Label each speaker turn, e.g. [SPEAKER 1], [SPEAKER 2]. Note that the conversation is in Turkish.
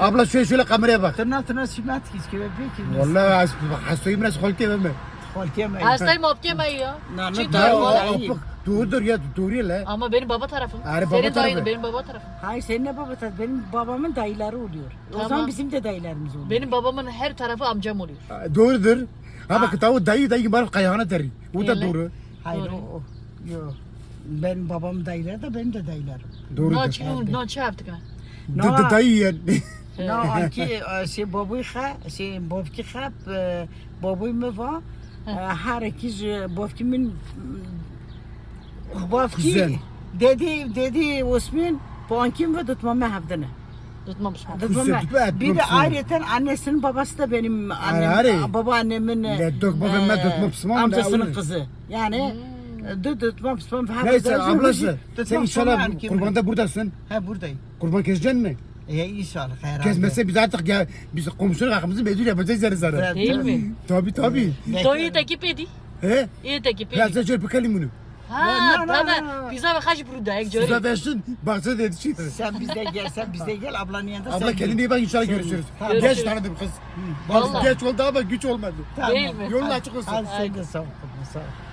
[SPEAKER 1] Abla şöyle kameraya bak.
[SPEAKER 2] Tırnağına şimat ki belki.
[SPEAKER 1] Vallahi hastayım biraz koltuğa verme.
[SPEAKER 2] Kolkemeyi.
[SPEAKER 3] Hastayım opkemeyi ya.
[SPEAKER 2] Nane
[SPEAKER 3] Çünkü
[SPEAKER 2] daha
[SPEAKER 3] oğlum-
[SPEAKER 2] iyi.
[SPEAKER 1] Doğrudur ya doğru ya la.
[SPEAKER 3] Ama benim baba tarafım.
[SPEAKER 1] Baba
[SPEAKER 3] Senin dayın
[SPEAKER 1] tarafı.
[SPEAKER 3] benim baba tarafım.
[SPEAKER 2] Hayır senin ne baba tadı? Benim babamın dayıları oluyor. O
[SPEAKER 3] Tamam.
[SPEAKER 2] zaman bizim de dayılarımız oluyor.
[SPEAKER 3] Benim babamın her tarafı amcam oluyor.
[SPEAKER 1] Doğrudur. Ha bak tavu dayı var kayağına teri. Bu da
[SPEAKER 3] Öyle.
[SPEAKER 1] doğru.
[SPEAKER 2] Hayır
[SPEAKER 3] Doğru.
[SPEAKER 2] o. Yok. Benim babam dayıları da benim de dayılarım.
[SPEAKER 1] Doğrudur.
[SPEAKER 3] Ne yaptık ha?
[SPEAKER 1] Dayı yani.
[SPEAKER 2] No, anki şey babuy bobki khap babuy me va her ikiz bobkimin
[SPEAKER 1] Güzel.
[SPEAKER 2] bobki dedi Osman bankim ve tutmama hafdana.
[SPEAKER 3] Tutmamış mı?
[SPEAKER 2] Tutmama.
[SPEAKER 1] Güzel,
[SPEAKER 2] Bir de
[SPEAKER 1] tutmam
[SPEAKER 2] ayrıca annesinin babası da benim
[SPEAKER 1] Ari.
[SPEAKER 2] babaannemin
[SPEAKER 1] Ne dökme ben dökme pısmam da
[SPEAKER 2] amcasının
[SPEAKER 1] öyle.
[SPEAKER 2] kızı. Yani tutmam pısmam.
[SPEAKER 1] Neyse ablası sen
[SPEAKER 2] Tutmam
[SPEAKER 1] inşallah
[SPEAKER 2] sonra
[SPEAKER 1] kurbanda buradasın.
[SPEAKER 2] Ha buradayım.
[SPEAKER 1] Kurban keseceksin mi?
[SPEAKER 2] İnşallah. Herhalde.
[SPEAKER 1] Kesmezse biz artık ya biz komşuluk hakkımızı mecbur yapacağız yani sana.
[SPEAKER 2] Evet.
[SPEAKER 3] Değil mi?
[SPEAKER 1] Tabii.
[SPEAKER 3] To iyi takip edi.
[SPEAKER 1] He?
[SPEAKER 3] İyi takip
[SPEAKER 1] Ya
[SPEAKER 3] edi.
[SPEAKER 1] sen şöyle bakalım bunu.
[SPEAKER 3] Ha,
[SPEAKER 2] No, no,
[SPEAKER 3] tabii.
[SPEAKER 2] no, no.
[SPEAKER 3] Bize kaç burada ek
[SPEAKER 1] Size
[SPEAKER 3] göreyim.
[SPEAKER 1] versin. Baksana dedi şey.
[SPEAKER 2] Sen bizde gel ablanın yanında.
[SPEAKER 1] Abla
[SPEAKER 2] sen
[SPEAKER 1] kendine
[SPEAKER 2] gel.
[SPEAKER 1] iyi bak inşallah
[SPEAKER 2] Sen-
[SPEAKER 1] görüşürüz.
[SPEAKER 2] Tamam.
[SPEAKER 1] Geç
[SPEAKER 3] Görüşürüz.
[SPEAKER 1] tanıdım kız.
[SPEAKER 3] Vallahi.
[SPEAKER 1] Geç oldu ama güç olmadı.
[SPEAKER 2] Tamam.
[SPEAKER 3] Değil mi?
[SPEAKER 1] Yolun açık olsun.
[SPEAKER 2] Hadi sen de sağ ol. Sağ ol.